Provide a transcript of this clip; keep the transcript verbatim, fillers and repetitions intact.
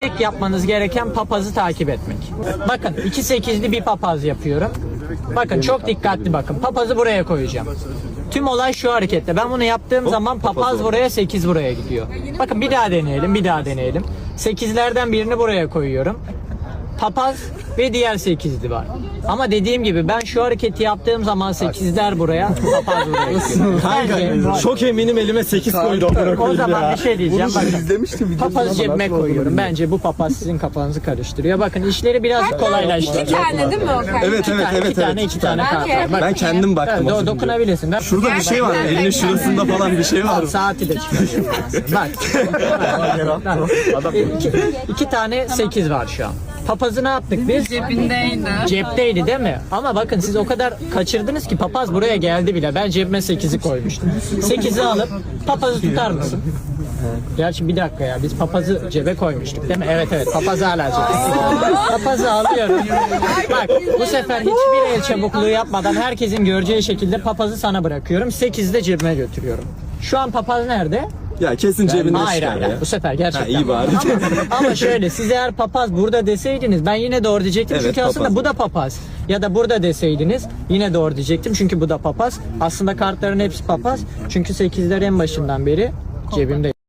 Tek yapmanız gereken papazı takip etmek. Bakın iki sekizli bir papaz yapıyorum. Bakın çok dikkatli bakın. Papazı buraya koyacağım. Tüm olay şu harekette. Ben bunu yaptığım zaman papaz buraya, sekiz buraya gidiyor. Bakın bir daha deneyelim, bir daha deneyelim. sekizlerden birini buraya koyuyorum. Papaz ve diğer sekizli var. Ama dediğim gibi ben şu hareketi yaptığım zaman sekizler buraya, papaz buraya gidiyor. Kanka çok eminim elime sekiz koydu. O zaman ya. bir şey diyeceğim. Bunu Bakın, izlemiştim. papazı cebime koyuyorum. Bence bu papaz sizin kafanızı karıştırıyor. Bakın işleri biraz kolaylaştırıyor. İki tane değil mi o kart? Evet evet evet. İki tane, evet. iki tane kart var. Bak, Ben kendim baktım. evet, az önce. dokunabilirsin. Ben Şurada bir şey var. Gerçekten Elinin kendim. şurasında falan bir şey var. saati de çıkarıyorum. Bak. Bak. iki, iki tane sekiz var şu an. Papazı ne yaptık biz? Cebindeydi. Cepteydi değil mi? Ama bakın siz o kadar kaçırdınız ki papaz buraya geldi bile. Ben cebime sekizi koymuştum. sekizi alıp papazı tutar mısın? Gerçi bir dakika ya biz papazı cebe koymuştuk değil mi? Evet evet papazı hala cebe. Papazı alıyorum. Bak bu sefer hiçbir el çabukluğu yapmadan herkesin göreceği şekilde papazı sana bırakıyorum. sekizi de cebime götürüyorum. Şu an papaz nerede? Ya kesin cebinde Hayır çıkar hayır ya. bu sefer gerçekten. Ha, iyi bari. Ama, ama şöyle siz eğer papaz burada deseydiniz ben yine doğru diyecektim. Evet, çünkü aslında papaz. bu da papaz. Ya da burada deseydiniz yine doğru diyecektim. Çünkü bu da papaz. Aslında kartların hepsi papaz. Çünkü sekizler en başından beri cebimde.